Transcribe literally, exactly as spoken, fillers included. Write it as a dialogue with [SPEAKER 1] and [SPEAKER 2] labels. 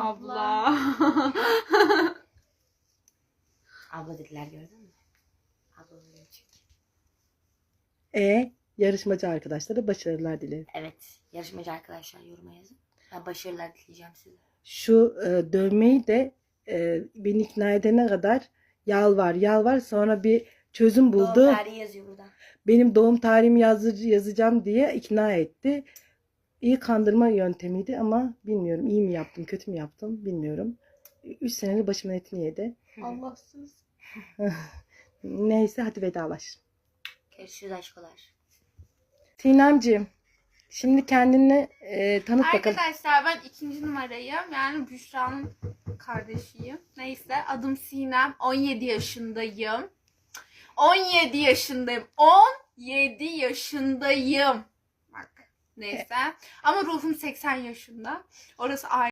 [SPEAKER 1] Abla.
[SPEAKER 2] Abla dediler, gördün mü? Abla oluyor çünkü.
[SPEAKER 3] E yarışmacı arkadaşlara başarılar dilerim.
[SPEAKER 2] Evet. Yarışmacı arkadaşlar yoruma yazın. Ben başarılar dileyeceğim size.
[SPEAKER 3] Şu e, dövmeyi de e, beni ikna edene kadar yalvar yalvar, sonra bir çözüm buldu.
[SPEAKER 2] Doğum tarihi yazıyor burada.
[SPEAKER 3] Benim doğum tarihimi yazı, yazacağım diye ikna etti. İyi kandırma yöntemiydi ama bilmiyorum iyi mi yaptım kötü mü yaptım bilmiyorum. Üç senedir başımın etini yedi.
[SPEAKER 1] Allahsız.
[SPEAKER 3] Neyse hadi vedalaş.
[SPEAKER 2] Görüşürüz aşkolar.
[SPEAKER 3] Sinemciğim şimdi kendini e, tanıt bakalım.
[SPEAKER 1] Arkadaşlar ben ikinci numarayım. Yani Büşra'nın kardeşiyim. Neyse adım Sinem. on yedi yaşındayım. on yedi yaşındayım. on yedi yaşındayım. Bak neyse. Ama ruhum seksen yaşında. Orası ayrı.